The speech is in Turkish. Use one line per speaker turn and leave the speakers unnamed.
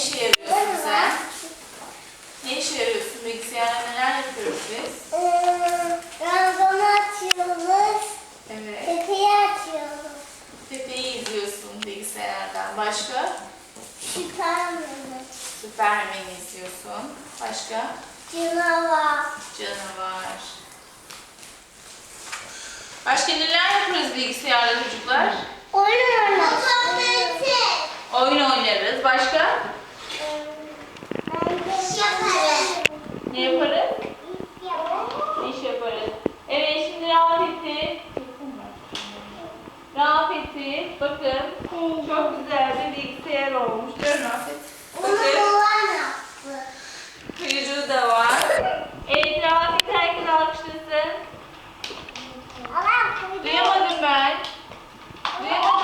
işe yarıyorsun sen? Ne işe yarıyorsun? Bilgisayarda neler yapıyoruz biz?
Ranzonu açıyoruz.
Evet.
Tepeyi açıyoruz.
Pepe'yi izliyorsun bilgisayardan. Başka?
Süpermen'i.
Süpermen'i izliyorsun. Başka?
Canavar.
Canavar. Başka neler yapıyoruz bilgisayarda çocuklar?
Oynuyoruz.
Oyun oynarız. Başka? Ne yaparız? İş yaparız. Evet, şimdi Rafet'i. Rafet'i bakın. Çok güzel bir bilgisayar olmuş. Değil mi Rafet? Bakın. Kuyruğu da var. Evet, Rafet herkes alkışlasın. Duyamadım ben. Duyamadım.